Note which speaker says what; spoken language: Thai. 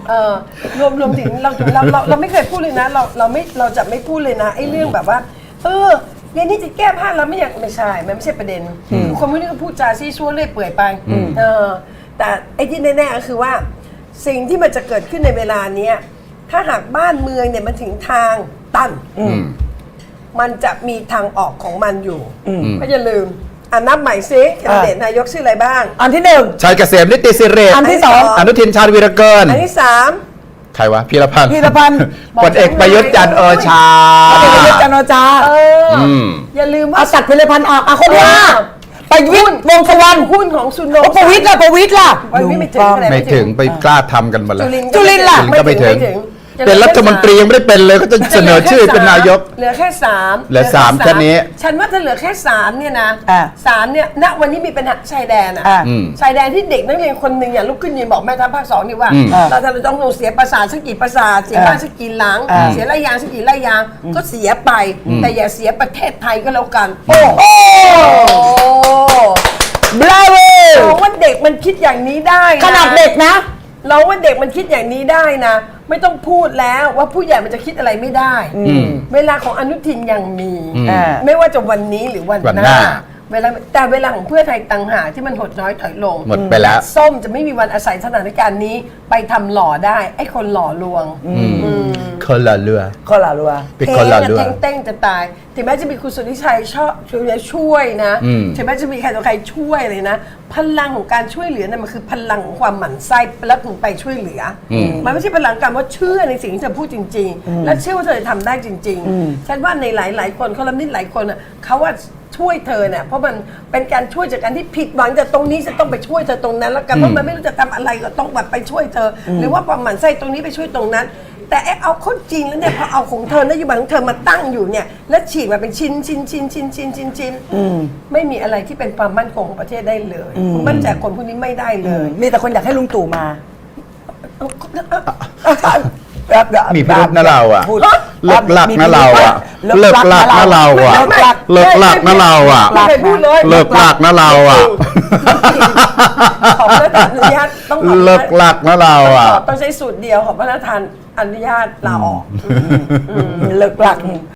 Speaker 1: รวมถึงเราไม่เคยพูดเลยนะเราจะไม่พูดเลยนะไอ้เรื่องแบบว่าเรื่องนี้จะแก้ผ้าเราไม่ใช่มันไม่ใช่ประเด็นคนพวกนี้ก็พูดจาซี่ซัวเรื่อยเปื่อยไปแต่ไอ้ที่แน่ๆก็คือว่าสิ่งที่มันจะเกิดขึ้นในเวลานี้ถ้าหากบ้านเมืองเนี่ยมันถึงทางตันมันจะมีทางออกของมันอยู่ก็อย่าลืมนับใหม่ซิแคนดิเดตนายกชื่ออะไรบ้าง
Speaker 2: อันที่1
Speaker 3: ชัยเกษมนิติสิริ
Speaker 2: อันที่2
Speaker 3: อนุทินชาญวีรเกิน
Speaker 1: อันที่3
Speaker 3: ใครวะพีรพันธ์พลเอกประยุทธ์จันทร์โอชา
Speaker 2: พลเอกประยุทธ์จันทร์โอชา
Speaker 1: อย่าลืมว่า
Speaker 2: เอาตัดพีรพันธ์ออกคนเดียวประยุทธ์วงศ์สุวรรณ
Speaker 1: หุ้นของสุนทร
Speaker 2: ประวิตรล่ะ
Speaker 3: ไม่ถึงไปกล้าทำกันมาแล้ว
Speaker 2: จุลินล่ะ
Speaker 3: ก็ไม่ถึงเป็นรัฐมนตรียังไม่ได้เป็นเลยก็จะเสนอชื่อเป็นนายก
Speaker 1: เหลือแค่3
Speaker 3: เหลือ3แค่นี้
Speaker 1: ฉันว่าถ้าเหลือแค่3เนี่ยนะ3เนี่ยณวันนี้มีปัญหาชายแดนชายแดนที่เด็กนักเรียนคนหนึ่งลุกขึ้นยืนบอกแม่ทัพภาค2นี่ว่าเราต้องเสียประสาทสักกี่ประสาทเสียบ้านสักกี่หลังเสียไรยางสักกี่ไรยางก็เสียไปแต่อย่าเสียประเทศไทยก็แล้วกันโอ้
Speaker 2: บราโว
Speaker 1: ว่าเด็กมันคิดอย่างนี้ได้
Speaker 2: ขนาดเด็กนะ
Speaker 1: เราว่าเด็กมันคิดอย่างนี้ได้นะไม่ต้องพูดแล้วว่าผู้ใหญ่มันจะคิดอะไรไม่ได้เวลาของอนุทินยังมีไม่ว่าจะวันนี้หรือวันหน้าแต่เวลาของเพื่อไทยต่างหากที่มันหดน้อยถอยลง
Speaker 3: หมดไปแล้ว
Speaker 1: ส้มจะไม่มีวันอาศัยสถานการณ์นี้ไปทำหล่อได้ไอ้คนหล่อลวง
Speaker 3: คนละเรือ
Speaker 1: เป็นคนละเรือเต้งจะตายถึงแม้จะมีคุณสุทธิชัยช่วยนะถึงแม้จะมีใครต่อใครช่วยเลยนะพลังของการช่วยเหลือเนี่ยมันคือพลังของความหมั่นไส้แล้วถึงไปช่วยเหลือมันไม่ใช่พลังการว่าเชื่อในสิ่งที่เธอพูดจริงๆและเชื่อว่าเธอจะทำได้จริงๆฉันว่าในหลายๆคนคอลัมนิสต์หลายคนเขาว่าช่วยเธอเนี่ยเพราะมันเป็นการช่วยจากการที่ผิดหวังจากตรงนี้จะต้องไปช่วยเธอตรงนั้นแล้วกันเพราะมันไม่รู้จะทำอะไรก็ต้องแบบไปช่วยเธอหรือว่าความหมั่นไส้ตรงนี้ไปช่วยตรงนั้นแต่เอาข้อจริงแล้วเนี่ยพอเอาของเธอนโยบายของเธอมาตั้งอยู่เนี่ยแล้วฉีกมาเป็นชิ้นไม่มีอะไรที่เป็นความมั่นคงของประเทศได้เลยมั่นใจคนพวกนี้ไม่ได้เลย
Speaker 2: มีแต่คนอยากให้ลุงตู่มา
Speaker 3: มีพิรุธนะเราเลิกลักนะเราเลิกลักนะเราเลิกลักนะเรา
Speaker 1: ไม่เคยพูดเลย
Speaker 3: เลิกลักนะเรา
Speaker 1: ขอพระราชทานอนุญาตต้อง
Speaker 3: เลิกลักนะเรา
Speaker 1: ต้องใช้สูตรเดียวขอพระราชทานอนุญาตลาออก
Speaker 2: เลิกลัก